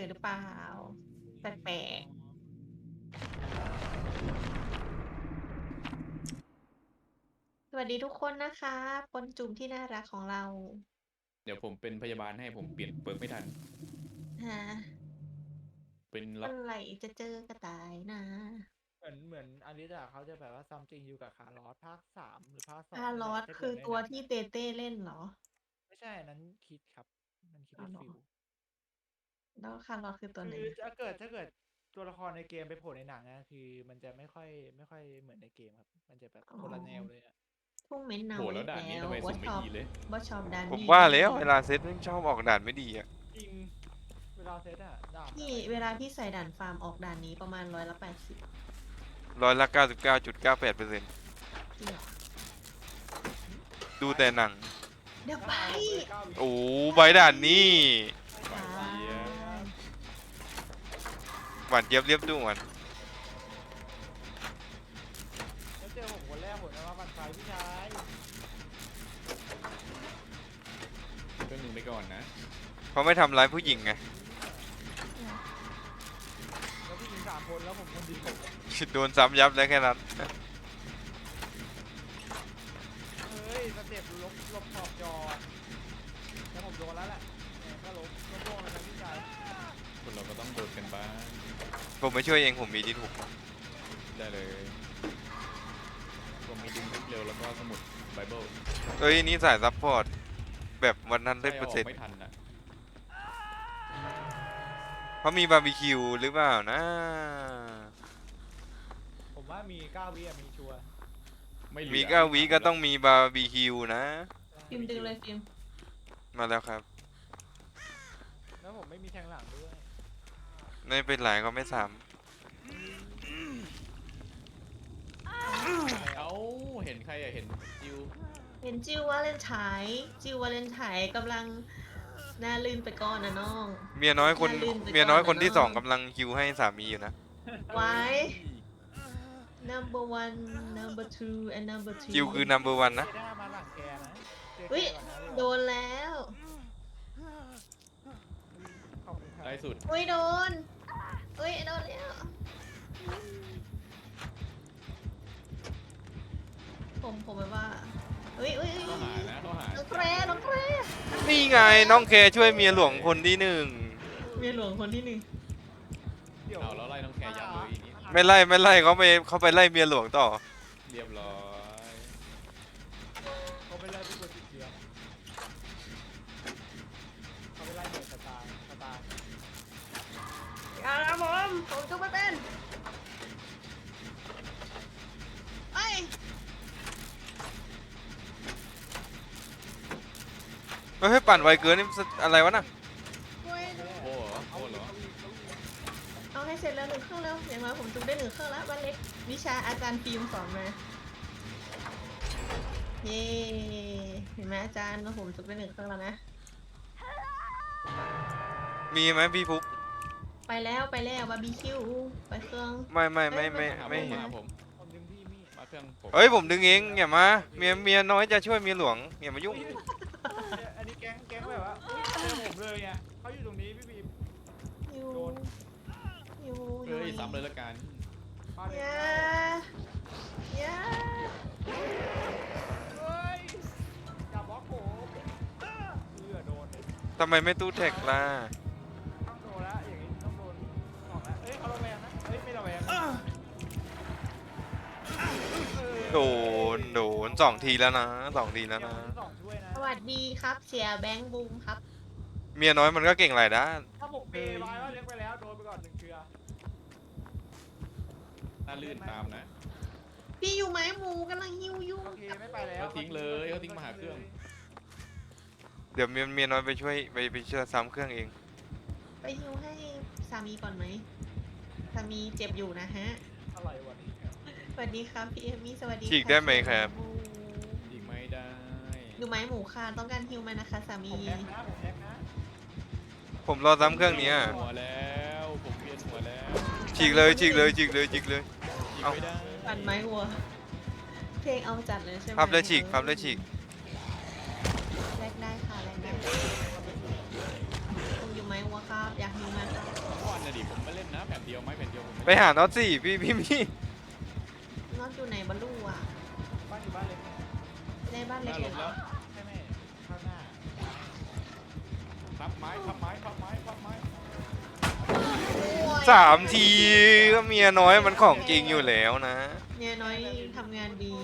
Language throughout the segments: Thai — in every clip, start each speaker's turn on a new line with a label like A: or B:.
A: อหรือเปล่าแปลกๆสวัสดีทุกคนนะคะคนจุ่มที่น่ารักของเรา
B: เดี๋ยวผมเป็นพยาบาลให้ผมเปลี่ยนเปิร์กไม่ทัน
A: ฮะ
B: เป็นล็อก
A: เมื่อไหร่จะเจอกระต่ายนะ
C: เหมือนอลิสอะเขาจะแบบว่าซัมติงอยู่กับคาร์ลอสภาค3หรือภาค2
A: ฮา
C: นี่แหละถ้าเกิ
A: ลอสคือ
C: ดในหนัง
A: ตัวที่เตเต้เล่นเหรอ
C: ไม่ใช่อันนั้นคิดครับมันคิด
A: อ๋อเหรอ
C: ได้ฟิล
A: แล้วคาร์ลอสคือตัวไหน
C: คือถ้าเกิดตัวละครในเกมไปโผล่ในหนังนะคือมันจะไม่ค่อยเหมือนในเกมครับมันจะแบบ
A: อ๋อ
C: คนละแนวเลยอะ
A: ทุ่งเม้นเนา
B: โห
A: อีก
B: แล้วด่าน
A: แล้ว
B: นี้ทำไมสุ่มไม่
A: ว่าชอบ
B: ดีเลย
A: ว่าชอบดาน
D: ผม
A: นี่
D: ว่าแล้วเวลาเซตไม่ชอบออกด่านไม่ดีอ่ะ
C: จริงเวลาเซตอะดาบ
A: พี่เวลาพี่ใส่ด่านฟาร์มออกด่านนี้ประมาณ180
D: 99.98%
A: จริงเหรอ
D: ดูแต่หนัง
A: เดี๋ยวไป
D: โอ้ใบด่านนี่
A: ตาย
D: หวานเจี๊ยบเรียบด่วน
C: แล้วเจอผมคนแรกผมจะมาบันไฟพี่ชาย
B: เครื่องหนึ่งไปก่อนนะ
D: เขาไม่ทำร้ายผู้หญิงไง
C: แล้วพี่หญิง3 คนแล้วผมคนเดียว
D: โดนซ้ำยับแล้วแค่นั้น
C: เฮ้ยสเต็ปลบขอบจอแล้วผมโดนแล้วแหละเนี่ยก็ล้มแล้วนะพี่ชาย
B: คนเราก็ต้องโดนกันบ้าง
D: ผมไม่ช่วยเองผมมีที่ถูก
B: ได้เลยผมมีดึงเร็วแล้วก็สมุดไบเบิล
D: เอ้ยนี่สายซัพพอร์ตแบบวันนั้นได้
B: ใช่
D: เปอ
B: เอา
D: ร์
B: อ
D: เซ็
B: อน ก
D: ต์
B: ไม่ทันนะ
D: เขามีบาร์บีคิวหรือเปล่านะ
C: ผมว่ามี9 วิอะมีชัวร์
B: ไม่เหลือ
D: มี9 วิก็ต้องมีบาร์บีคิวนะ
A: ฟิล์มดึงเลยฟิล์ม
D: มาแล้วครับ
C: แล้วผมไม่มีแทงหลังด้วย
D: ไม่เป็นไรก็ไม่ซ้
B: เอ้าเห็นใครอะเห็นจิว
A: เห็นจิววาเลนไทน์จิววาเลนไทน์กำลังน่าลื่นไปก่อนนะน้อง
D: ำเมียน้อยคน
A: อย่าลืมไปก่อนนะ
D: เมียน้อยคนที่
A: น้อง
D: สองกำลังคิวให้สามีอยู่นะ
A: ไว้ number one number two and number
D: คิว
A: three
D: คือ number one นะ
C: เจด้ามาหลังแกนะเจอแก
A: เฮ้ย
C: ก่อนนะ
A: โดนแล้ว
C: ขอบคุณครับ
B: ได้สุด
A: อุ้ยโดนเฮ้ยโดนแล้วผมแบบว่าเฮ้ย
B: เข้าหานะเข้าหา
A: น้องแครน้องแคร
D: นี่ไงน้องแคร์ช่วยเมียหลวงคนที่หนึ่ง
A: เมียหลวงคนที่หนึ่ง
C: เดี๋ยว
B: เอาแล้วไล่น้องแคร์ยับเลยอีนี้
D: ไม่ไล่เขาไปไล่เมียหลวงต่อ
B: เรียบร้อย
C: เขาไปไล่ผู้คนติดเชื้อเขาไปไล่เหมือนสตาร์
A: อย่านะผมจะไม่เป็นไอ้ย
D: ไม่ให้ปั่นไวเกินนี่มันอะไรวะน่ะ
A: โอ้ย
B: โอ้เหรอโอ้เหรอ
A: เอาให้เสร็จแล้ว1 เครื่องแล้วอย่างน้อยผมจุได้1 เครื่องแล้ววันเล็กวิชาอาจารย์ฟิล์มสอนมาเย้เห็นไหมอาจารย์ว่าผมจุได้1 เครื่องแล้วนะ
D: มีไหมพี่ฟุก
A: ไปแล้วบาร์บีคิวไปเครื่อง
D: ไม่
B: มา
D: เห็น
B: หาผม
C: ผมดึงพี่มี่
B: มาเครื่องผม
D: เฮ้ยผมดึงเองอย่ามาเมียน้อยจะช่วยเมียหลวงอย่ามายุ่ง
C: อันนี้แก๊งแบบว่าเจอผมเลยอ่ะเขาอยู่ตรงนี้พี่บีม
A: อยู่
C: โดน
A: อยู่
B: เฮ้ยซ้ำเลยละกัน
C: มาเลย
A: อย่า
C: เฮ้ยอย่าบล็อกผมโดนเลย
D: ทำไมไม่ตู้แท็กล่ะ
C: ต้องโดนแล้วอย่างนี้ต้องโดนออกแล้วเอ้ยเขาระแวงนะเอ้ยไม่ระแวงนะ
D: โดน2 ทีแล้วนะ2 ทีแล้ว
C: เดี๋ยว
D: นะ
C: คนที่สองช่วยนะ
A: สวัสดีครับเสียแบงค์บูมครับ
D: เมียน้อยมันก็เก่งหลายด้าน
C: ถ้าผมเปย์ไว้ว่าเลี้ยงไปแล้วโดนไปก่อน1 เชือ
B: น่าลื่นตามนะ
A: พี่อยู่ไหมหมูกำลังหิวอยู่
C: โอเคไม่ไปแล้ว
B: เขาทิ้งเลยเขาทิ้งมาหาเครื่อง
D: เดี๋ยวเมียน้อยไปช่วยไปช่วยซ้ำเครื่องเอง
A: ไปหิวให้สามีก่อนไหมสามีเจ็บอยู่นะฮะ
C: อะไรวะนี่
A: สวัสดีครับพี่เอมี่สวัสดี
D: ฉีกได้ไหมครับ
B: อีกไม่ได้
A: ดูไหมหมูค่ะต้องการฮิวไหมนะคะสามี
C: ผมแฮกนะผมแฮกนะ
D: ผมรอซ้ำเครื่องนี้อะ
B: หัวแล้วผมเวียนหัวแล้ว
D: ฉีกเลย
B: อีกไม่ได้
A: ปั่นไม้วัวเพลงเอาจัดเลยใช่ไหม
D: พับเลยฉีก
A: แลกได้ค่ะแลกได้ผมอยู่ไม้วัวครับอยากฮิวไหมครับ
B: ผ่นเดียวไม้แผ่นเดียวผม
D: ไปหาน็อตสิพี่
A: น็อตอยู่ไหนบอลลูอ่ะ
C: บ้านอยู่บ้านเล็ก
A: ในบ้าน
B: ห
A: เล็
B: น้าก ล
A: เห็
B: ม
A: นเหร
B: แล้
A: อ
B: ว
C: ใช่ไหมข้างหน้า
B: พับไม้พับไม้พับไม้พับไม้
D: 3 ทีก็เมียน้อยมันของจริงอยู่แล้วนะ
A: เนี่ยน้อยทำงานดี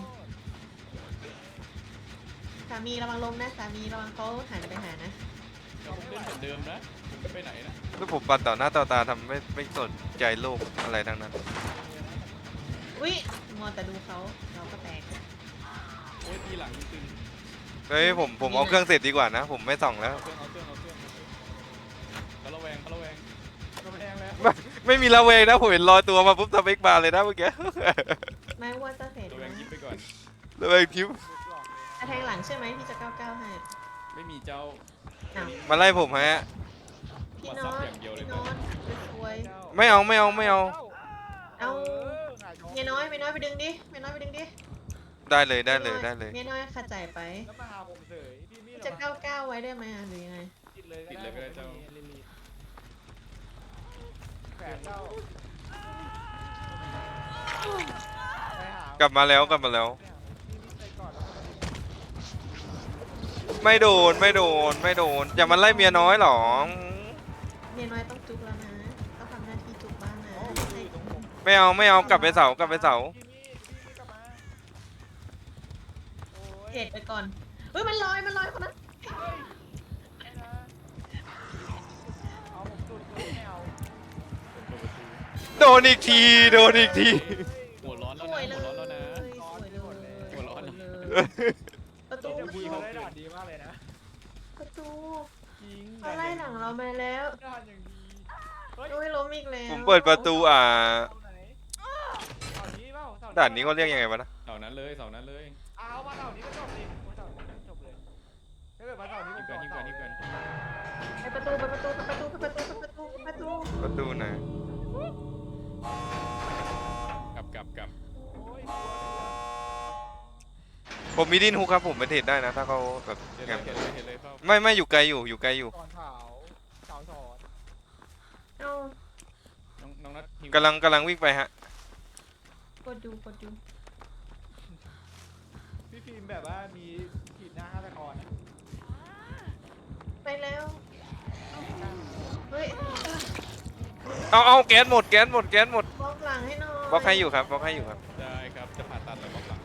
A: สามีระวังลมนะสามีระวังเขาหันไปหานะ
B: ผมเล่นเหมือนเดิมนะผมไม่ไปไหนนะ
D: แล้วผมปัดต่อหน้าต่อตาทำไม่สนใจโลกอะไรทั้งนั้น
A: อุ้ยมัวแต่ดูเขาเราก็แตก
B: โอ้ยทีหลังตึง
D: เฮ้ยผมเอาเครื่องเสร็จดีกว่านะ ผมไม่ส่องแล้ว
B: เอาเครื่องเขาระแวงเขาระแวง
C: ก็แพงแล้ว
D: ไม่มีระเวงนะผมเห็นลอยตัวมาปุ๊บสเปกบาร์เลยนะเมื่อกี้
A: ไม่ว่าจะเสร็จ
B: ระแวง
A: นะ
B: ยิบไปก่อน
D: ระเวงทิป
C: ลูกหลอกเลย
A: จะแทงหลังใช่ไหมพี่จะ9-9ให้
B: ไม่มีเจ้า
A: อ้าว
D: มาไล่ผมฮะ
A: พี่น้องพี่น้องสวย
D: ไม่เอา
A: เอา
C: หงายท้อง
A: เมียน้อยไปดึงดิเมียน้อยไปดึงดิ
D: ได้เลย
A: เมียน้อยขัดใจไป
C: แล้วมาหาผมเฉยพี่มี
A: พี่จะ9-9ไว้ได้ไหมอ่ะหรือยังไง
C: ติดเลยก็ได้เจ้าลิลิแฝดเจ้าไปหาก
D: ลับมาแล้ว
C: พี่มีใจก่อนแล้วก็
D: ไม่โดนอย่ามาไล่เมียน้อยหรอ
A: เมียน้อยต้องจุกแล้วนะต้องทำหน้าที่จุกบ้างนะ
C: โอ้ยตรงผม
D: ไม่เอากลับไปเสา
C: พี่มีกลับมาโอ้ย
A: เทรดไปก่อนเฮ้ยมันลอยคนนั้น
C: ไม่นะเอาผมสุดเลยไม่เอา
B: เปิดประตู
D: โดนอีกที
B: หัวร้อน
A: ส
B: แล้ว
A: วย
B: นะ
A: เล
B: หัวย ร้อนแล้วนะ
A: สวยเลย
B: หัวร้อน
A: ประตู
C: เจ้าพี่เขาได้ด่านดีมากเลยนะ
A: ประตู
C: จริง
A: เขาไล่หลังเรามาแล้ว
C: ด่านอย่างดีเฮ้ย
A: โอ้ยล้มอีกแล้ว
D: ผมเปิดประตู
C: เสาไหนเสานี้เปล่าเส
D: ด่านนี้เขาเรียกยังไงวะนะ
B: เสานั้นเลยเสานั้นเลย
C: เอามาเสานี้ก็จบดิโอ้ยเสานี้จบเลยถ้าเกิดมาเสานี้ผม
B: นี่เกินนี่เกินนี่เกิน
A: ไปประตู
D: ประตูไหน
B: กลับ
C: โอ้ย
D: ผมมีดินฮุกครับผมไปเทรดได้นะถ้าเขาแบบ
B: เห็น
D: แง
B: เลย
D: ม
B: เห็นเลยเข้า
D: ไม่อยู่ไกลอยู่
C: ก่อนเผาเสาสอน
A: เอา
B: น้องนัทหิว
D: กำลังวิ่งไปฮะ
A: กดดู
C: พี่ฟิล์มแบบว่ามีขีดหน้าฆาตกรอะ
A: ไปแล้วเฮ้ย
D: เอาแก๊สหมด
A: บล็อกหลังให้หน่อย
D: บล็อกให้อยู่ครับ
B: ได้ครับจะผ่าตัดแล้วบล็อกหลัง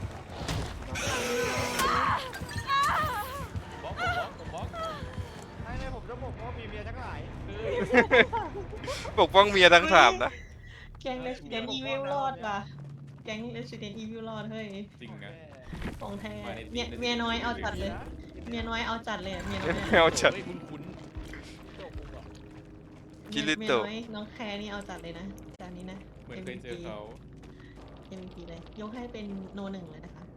B: บล็อก
C: ไม่เลยผมจะบอกว่ามีเมียทั้งหลาย
D: ปกป้องเมียทั้ง 3นะ
A: แก๊ง Resident Evil รอดว่ะแก๊ง Resident Evil รอดเฮ้ย
B: จริงนะ
A: ของแท้เมียน้อยเอาจัดเลยเมียน้อยเอาจัดเลยเมียน้อย
D: เอาจัด
B: เฮ้ยคุ้น
D: คิริ
A: เมีย
D: โตะ
A: น้อยน้องแคร์นี่เอาจัดเลยนะจานนี้นะ
B: ๆเหมือนเคยเจอเขา
A: MVP เลยยกให้เป็นโน 1เลยนะคะ